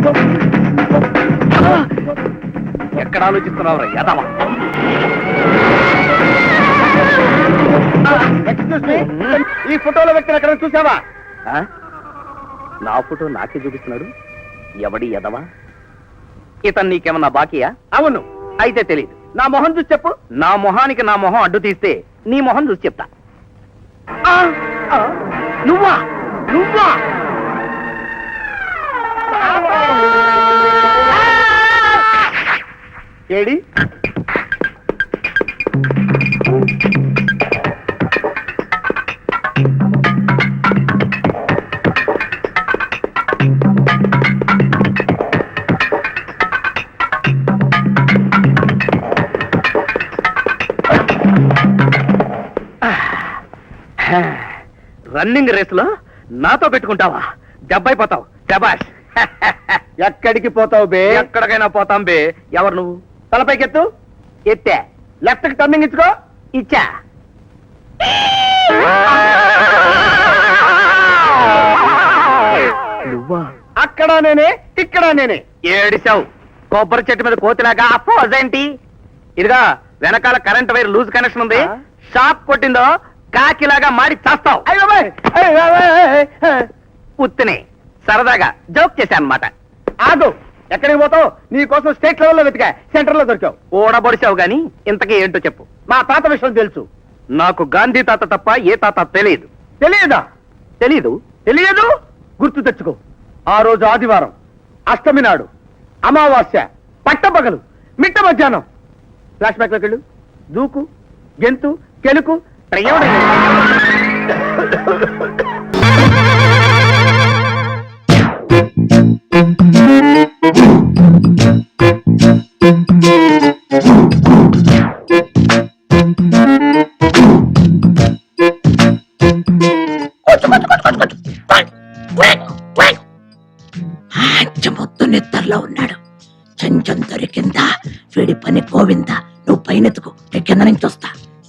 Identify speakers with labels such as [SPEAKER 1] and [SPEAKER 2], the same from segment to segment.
[SPEAKER 1] ఎక్కడ ఆలోచిస్తున్నావురా యాదవా?
[SPEAKER 2] ఈ ఫోటోలో వ్యక్తిని ఎక్కడ చూసావా?
[SPEAKER 1] నా ఫోటో నాకే చూపిస్తున్నాడు. ఎవడి ఎదవా? ఇతను నీకేమన్నా బాకీయా?
[SPEAKER 2] అవును.
[SPEAKER 1] అయితే తెలియదు.
[SPEAKER 2] నా మొహం చూసి చెప్పు.
[SPEAKER 1] నా మొహానికి నా మొహం అడ్డు తీస్తే నీ మొహం చూసి చెప్తా.
[SPEAKER 2] నువ్వా? నువ్వా? ఏడి?
[SPEAKER 1] రన్నింగ్ రేసులో నాతో పెట్టుకుంటావా? దెబ్బైపోతావు. శబాష్.
[SPEAKER 2] ఎక్కడికి పోతావు బే?
[SPEAKER 1] ఎక్కడికైనా పోతాం బే. ఎవరు నువ్వు?
[SPEAKER 2] తలపైకెత్తు.
[SPEAKER 1] ఎత్తే.
[SPEAKER 2] లెఫ్ట్ కి టర్నింగ్ ఇచ్చుకో.
[SPEAKER 1] ఇచ్చా. నువ్వా?
[SPEAKER 2] అక్కడ నేనే, ఇక్కడ నేనే.
[SPEAKER 1] ఏడిసావు. కొబ్బరి చెట్టు మీద కోతిలాగా అపోజేంటి? ఇదిగా వెనకాల కరెంట్ వైర్ లూజ్ కనెక్షన్ ఉంది. షాక్ కొట్టిందో కాకిలాగా మాడి చేస్తావు. ఉత్తిని సరదాగా జోక్ చేశాను అన్నమాట.
[SPEAKER 2] ఆగు. ఎక్కడికి పోతావు? నీ కోసం స్టేట్ లెవెల్లో వెతికా, సెంటర్ లో దొరికావు.
[SPEAKER 1] ఓడబొడిచావు గాని ఇంతకీ ఏంటో చెప్పు.
[SPEAKER 2] మా తాత విషయం తెలుసు.
[SPEAKER 1] నాకు గాంధీ తాత తప్ప ఏ తాత తెలియదు.
[SPEAKER 2] తెలియదా?
[SPEAKER 1] తెలీదు.
[SPEAKER 2] తెలియదు? గుర్తు తెచ్చుకో. ఆ రోజు ఆదివారం, అష్టమి నాడు, అమావాస్య, పట్టపగలు, మిట్ట మధ్యాహ్నం. ఫ్లాష్ బ్యాక్ లోకి వెళ్ళు. దూకు, గెంతు, కెలుకు.
[SPEAKER 3] మొత్తం నిద్రలో ఉన్నాడు. చెంచం దొరికిందా? వీడి పని పోవిందా? నువ్వు పైనెత్తుకు, కింద నుంచి వస్తా.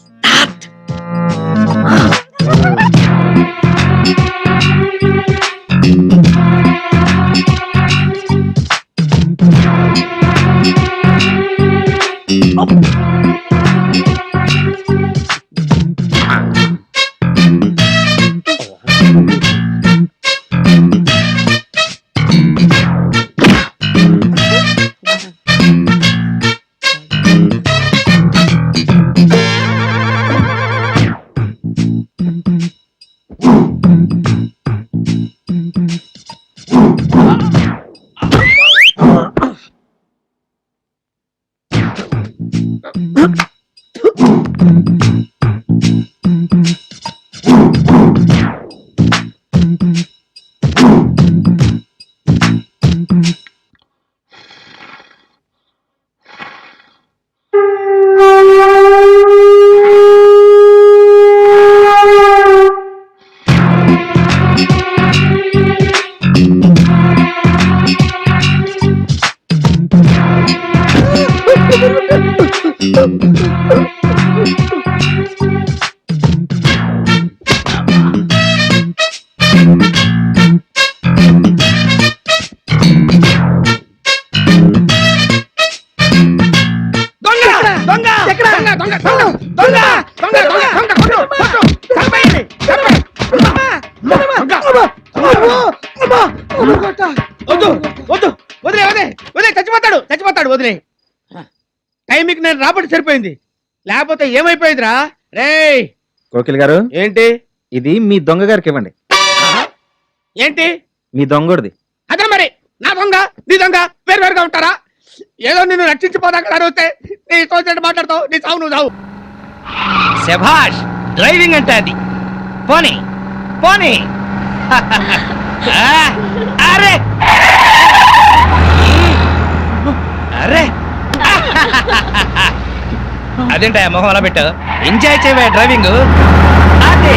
[SPEAKER 2] చచ్చిపోతాడు. వదిలే. టైంకి నేను రాబట్టి సరిపోయింది, లేకపోతే ఏమైపోయిందిరా? రే
[SPEAKER 4] కోకిల్ గారు,
[SPEAKER 2] ఏంటి
[SPEAKER 4] ఇది మీ దొంగ గారికి ఇవ్వండి.
[SPEAKER 2] ఏంటి?
[SPEAKER 4] మీ దొంగోడిది.
[SPEAKER 2] అదే మరి, నా దొంగ నీ దొంగ వేరువేరుగా ఉంటారా? ఏదో నిన్ను రక్షించిపోదాక అడిగితే నీ తోచినట్టు మాట్లాడతావు. నీ చావు నువ్వు చావు.
[SPEAKER 1] శభాష్. డ్రైవింగ్ అంటే అది. పోనీ పోనీ. అరే అరే అదేంటా మొహం అలా పెట్టావు? ఎంజాయ్ చేయవే డ్రైవింగ్. అదే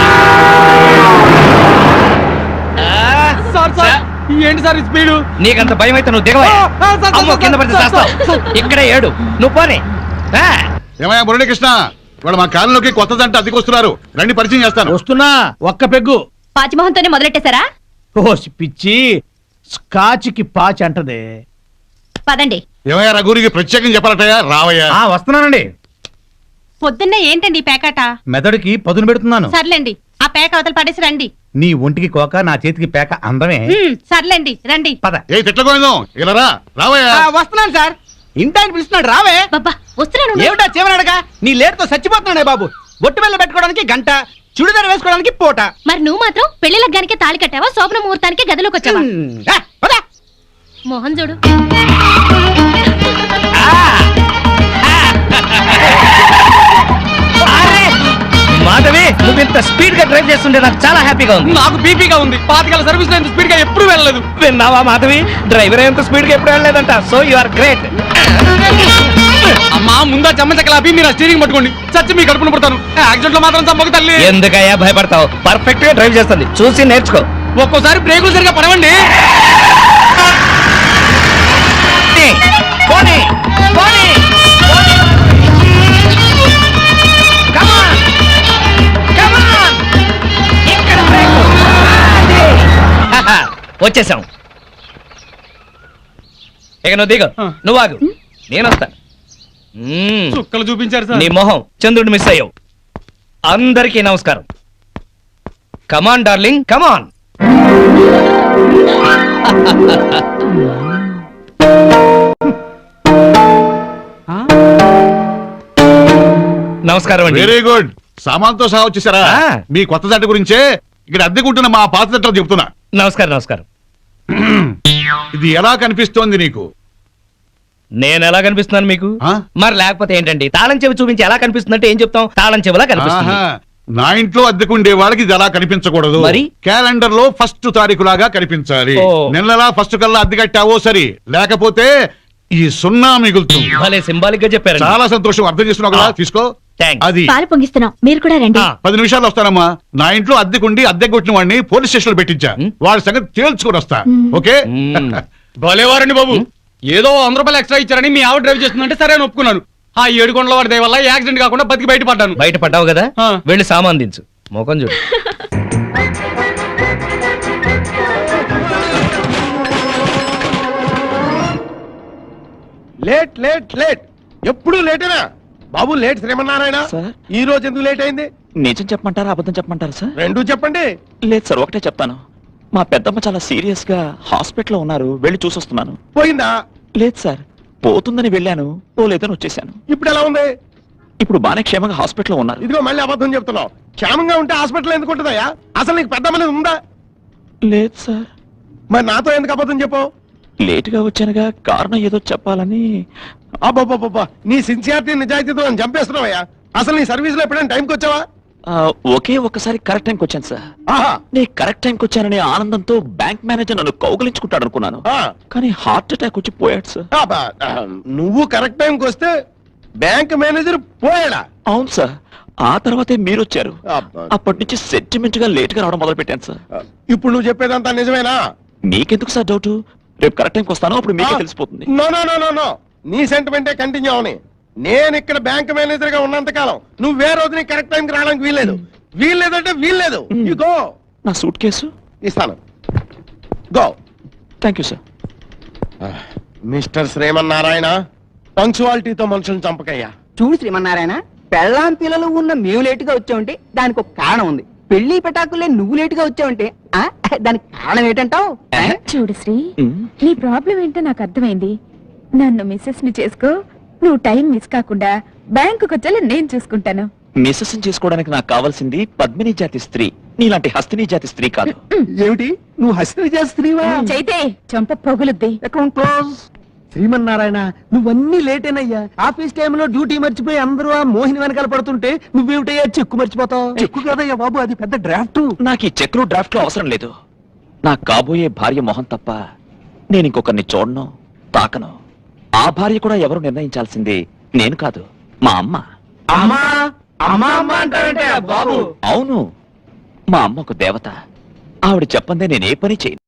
[SPEAKER 2] ఏంటి సార్ స్పీడు?
[SPEAKER 1] నీకంత భయం అయితే నువ్వు దిగవా? కింద పడితే చేస్తావు. ఇక్కడే ఏడు. నువ్వు పోనీ.
[SPEAKER 5] ఏమయ్యా మురళీకృష్ణ, వాళ్ళు మా కాలంలోకి కొత్త జంట అద్దెకొస్తున్నారు. రండి, పరిచయం చేస్తాను.
[SPEAKER 2] వస్తున్నా. ఒక్క పెగ్గు.
[SPEAKER 6] పాచిమోహంతోనే మొదలెట్టేశారా?
[SPEAKER 2] ఓ పిచ్చి, స్కాచ్కి పాచి అంటదే.
[SPEAKER 6] పదండి.
[SPEAKER 5] ఏమయ్యా రఘురికి ప్రత్యేకంగా చెప్పాలటయ్యా రావయ్యా.
[SPEAKER 2] వస్తున్నానండి.
[SPEAKER 6] పొద్దున్నే ఏంటండి ఈ పేకాట?
[SPEAKER 2] మెదడుకి పదును పెడుతున్నాను.
[SPEAKER 6] సర్లేండి, ఆ పేక అవతల పడేసి రండి.
[SPEAKER 2] నీ ఒంటికి కోక, నా చేతికి పేక అందమే.
[SPEAKER 6] సర్లేండి రండి.
[SPEAKER 2] పద.
[SPEAKER 5] ఏ తిట్లకోయిందాం ఇలా రావయ్యా.
[SPEAKER 2] వస్తున్నాను సార్. ఇంటాయన పిలుస్తున్నాడు, రావే.
[SPEAKER 6] బాబా వస్తున్నాను.
[SPEAKER 2] ఏమిటా చివరడగా? నీ లేటుతో చచ్చిపోతున్నాడే బాబు. బొట్టు బిళ్ళ పెట్టుకోవడానికి గంట, చుడిదారు వేసుకోవడానికి పూట.
[SPEAKER 6] మరి నువ్వు మాత్రం పెళ్లి లగ్గానికి తాళి కట్టావా, శోభన ముహూర్తానికి గదిలోకి వచ్చావా? మోహన్ చూడు.
[SPEAKER 1] మాధవి, నువ్వు ఇంత స్పీడ్ గా డ్రైవ్ చేస్తుంటే నాకు చాలా హ్యాపీగా ఉంది.
[SPEAKER 7] నాకు బీపీగా ఉంది. పాతకాల సర్వీస్ లో ఇంత స్పీడ్ గా ఎప్పుడు వెళ్ళలేదు.
[SPEAKER 1] విన్నావా మాధవి, డ్రైవర్ ఎంత స్పీడ్ గా ఎప్పుడు వెళ్ళలేదంట. So you are great.
[SPEAKER 7] అమ్మా ముందా చెమ్మచక్కలాపి మీరు ఆ స్టీరింగ్ పట్టుకోండి. చచ్చి మీ కడుపున పడతాను. యాక్సిడెంట్ లో మాత్రం చంపక తల్లి.
[SPEAKER 1] ఎందుకయ్యా భయపడతావు? పర్ఫెక్ట్ గా డ్రైవ్ చేస్తుంది, చూసి నేర్చుకో.
[SPEAKER 7] ఒక్కోసారి బ్రేకులు సరిగా పడవండి.
[SPEAKER 1] పోనీ, పోనీ, పోనీ. Come on, come on. ఇక్కడ బ్రేకు. వచ్చేసాం. ఇక నువ్వు దిగు, నువ్వు ఆగు, నేను వస్తాను.
[SPEAKER 7] చుక్కలు చూపించారు సార్.
[SPEAKER 1] నీ మొహం చంద్రుడు మిస్ అయ్యావు. అందరికీ నమస్కారం. Come on darling, come on. నమస్కారం అండి.
[SPEAKER 5] Very good. సామాన్తో సహా వచ్చేసారా?
[SPEAKER 1] ఆ.
[SPEAKER 5] మీ కొత్త జంట గురించే ఇక్కడ అద్దెకుంటున్న మా పాత జంటలు చెప్తున్నా.
[SPEAKER 1] నమస్కారం, నమస్కారం.
[SPEAKER 5] ఇది ఎలా కనిపిస్తోంది నీకు?
[SPEAKER 1] నేను ఎలా కనిపిస్తున్నాను మీకు?
[SPEAKER 5] ఆ?
[SPEAKER 1] మరి లేకపోతే ఏంటండి, తాళం చెవి చూపించి ఎలా కనిపిస్తుందంటే ఏం చెప్తాం? తాళం చెవిలా కనిపిస్తుంది.
[SPEAKER 5] ఆహా. నా ఇంట్లో అద్దెకుండే వాళ్ళకి ఇది ఎలా కనిపించకూడదు.
[SPEAKER 1] మరి?
[SPEAKER 5] క్యాలెండర్ లో ఫస్ట్ తారీఖు లాగా కనిపించాలి.
[SPEAKER 1] ఓ.
[SPEAKER 5] నెలలా ఫస్ట్ కల్లా అద్దె కట్టావో సరి, లేకపోతే ఈ సున్నా మిగులుతుంది.
[SPEAKER 1] భలే సింబాలిక్ గా చెప్పారు.
[SPEAKER 5] చాలా సంతోషం, అర్థం చేస్తున్నావు కదా. తీసుకో.
[SPEAKER 1] థాంక్స్.
[SPEAKER 5] అది
[SPEAKER 6] పాలు పొంగిస్తున్నాం, మీరు కూడా రండి.
[SPEAKER 5] 10 నిమిషాలు వస్తానమ్మా. నా ఇంట్లో అద్దెకుండి అద్దె కొట్టిన వాడిని పోలీస్ స్టేషన్ లో పెట్టించా. వాడి సంగతి తేల్చుకొని వస్తా. ఓకే.
[SPEAKER 7] భలేవారండి బాబు. ఏదో 100 రూపాయలు ఎక్స్ట్రా ఇచ్చారని మీ ఆవిడ డ్రైవ్ చేస్తుందంటే సరే అని ఒప్పుకున్నాను. ఆ 7 కొండల వాడి దయ వల్ల యాక్సిడెంట్ కాకుండా బతికి బయటపడ్డాను.
[SPEAKER 1] బయట పడ్డావు కదా,
[SPEAKER 7] ఆ.
[SPEAKER 1] వెళ్ళి సామాన్ దించు. మోకం చూడు.
[SPEAKER 2] లేట్ లేట్ లేట్, ఎప్పుడు లేటేనా బాబు? లేట్ శ్రీమన్నారాయణ. ఈ రోజు ఎందుకు లేట్ అయింది?
[SPEAKER 8] నిజం చెప్పమంటారా అబద్ధం చెప్పమంటారా సార్?
[SPEAKER 2] రెండూ చెప్పండి.
[SPEAKER 8] లేదు సార్, ఒకటే చెప్తాను. మా పెద్దమ్మ చాలా సీరియస్ గా హాస్పిటల్లో ఉన్నారు, వెళ్ళి చూసొస్తున్నాను.
[SPEAKER 2] పోయిందా?
[SPEAKER 8] లేదు సార్, పోతుందని వెళ్ళాను, పోలేదని వచ్చేసాను.
[SPEAKER 2] ఇప్పుడు ఎలా ఉంది?
[SPEAKER 8] ఇప్పుడు బానే క్షేమంగా హాస్పిటల్లో ఉన్నారు.
[SPEAKER 2] ఇదిగో మళ్ళీ అబద్ధం చెప్తున్నావు. క్షేమంగా ఉంటే హాస్పిటల్ ఎందుకు ఉంటుందయ్యా? అసలు నీకు పెద్ద మీద ఉందా?
[SPEAKER 8] లేదు సార్.
[SPEAKER 2] మరి నాతో ఎందుకు అబద్ధం చెప్పావు?
[SPEAKER 8] లేటుగా వచ్చానుగా, కారణం ఏదో చెప్పాలని.
[SPEAKER 2] అబ్బాబ్బాబ్బా, నీ సిన్సియారిటీ నిజాయితీతో నన్ను చంపేస్తున్నావయ్యా. అసలు నీ సర్వీస్ లో ఎప్పుడైనా టైంకి వచ్చావా?
[SPEAKER 8] ఒకే ఒక్కసారి కరెక్ట్ టైంకి వచ్చాను సార్.
[SPEAKER 2] ఆహా.
[SPEAKER 8] నేను కరెక్ట్ టైంకి వచ్చాననే ఆనందంతో బ్యాంక్ మేనేజర్ నన్ను కౌగలించుకుంటాడు అనుకున్నాను.
[SPEAKER 2] ఆ.
[SPEAKER 8] కానీ హార్ట్ అటాక్ వచ్చి పోయాడు సార్.
[SPEAKER 2] అబ్బా, నువ్వు కరెక్ట్ టైంకి వస్తే బ్యాంక్ మేనేజర్ పోయాడా?
[SPEAKER 8] అవును సార్, ఆ తర్వాతే మీరు వచ్చారు.
[SPEAKER 2] అబ్బా.
[SPEAKER 8] అప్పటి నుంచి సెంటిమెంట్ గా లేట్ గా రావడం మొదలు పెట్టాను సార్.
[SPEAKER 2] ఇప్పుడు నువ్వు చెప్పేదంతా నిజమేనా?
[SPEAKER 8] మీకెందుకు సార్ డౌట్? రేపు కరెక్ట్ టైంకి వస్తాను, అప్పుడు మీకే తెలిసిపోతుంది.
[SPEAKER 2] No no no no no, నీ సెంటిమెంటే కంటిన్యూ అవని. నేను ఇక్కడ బ్యాంక్ మేనేజర్ గా ఉన్నంత కాలం నువ్వు వేరే రోజు నీ కరెక్ట్ టైంకి రావడానికి వీల్లేదు. వీల్లేదంటే వీల్లేదు. You go.
[SPEAKER 8] నా సూట్ కేసు
[SPEAKER 2] ఇస్తాను, go.
[SPEAKER 8] Thank you sir.
[SPEAKER 2] Mister Srimannarayana, పంక్చువాలిటీతో మనుషులను చంపకయ్యా.
[SPEAKER 9] చూడు శ్రీమన్నారాయణ, పెళ్ళాం పిల్లలు ఉన్న మేము లేటుగా వచ్చావంటే దానికి ఒక కారణం ఉంది. పెళ్లి పెటాకులే నువ్వు లేటుగా వచ్చావంటే దానికి కారణం ఏంటంటావు?
[SPEAKER 6] చూడు శ్రీ, నీ ప్రాబ్లం ఏంటో నాకు అర్థమైంది. నన్ను మిస్సెస్ ని చేసుకో, నువ్వు టైం మిస్ కాకుండా బ్యాంకుకి వచ్చేలా నేను చూసుకుంటాను.
[SPEAKER 8] మిస్సెస్ చేసుకోవడానికి నాకు కావాల్సింది పద్మిని జాతి స్త్రీ, నీలాంటి హస్తిని జాతి స్త్రీ కాదు.
[SPEAKER 2] ఏమిటి, నువ్వు హస్తి చేస్త్రీవా?
[SPEAKER 6] చైతే చంప పొగులుద్ది.
[SPEAKER 2] Account close. శ్రీమన్నారాయణ, నువ్వన్నీ లేటేనయ్యా. ఆఫీస్ టైంలో డ్యూటీ మర్చిపోయి అందరూ ఆ మోహిని వెనకాల పడుతుంటే నువ్వేమిటయ్యా చెక్కు మర్చిపోతావు? చెక్కు కదయ్యా బాబు, అది పెద్ద డ్రాఫ్ట్.
[SPEAKER 8] నాకు ఈ చెక్లు డ్రాఫ్ట్ లో అవసరం లేదు. నా కాబోయే భార్య మొహం తప్ప నేను ఇంకొకరిని చూడను, తాకను. ఆ భార్య కూడా ఎవరు నిర్ణయించాల్సింది నేను కాదు, మా అమ్మ.
[SPEAKER 2] అమ్మా అమ్మా అమ్మా అంటారంటే బాబు.
[SPEAKER 8] అవును, మా అమ్మ ఒక దేవత. ఆవిడ చెప్పందే నేను ఏ పని చేయను.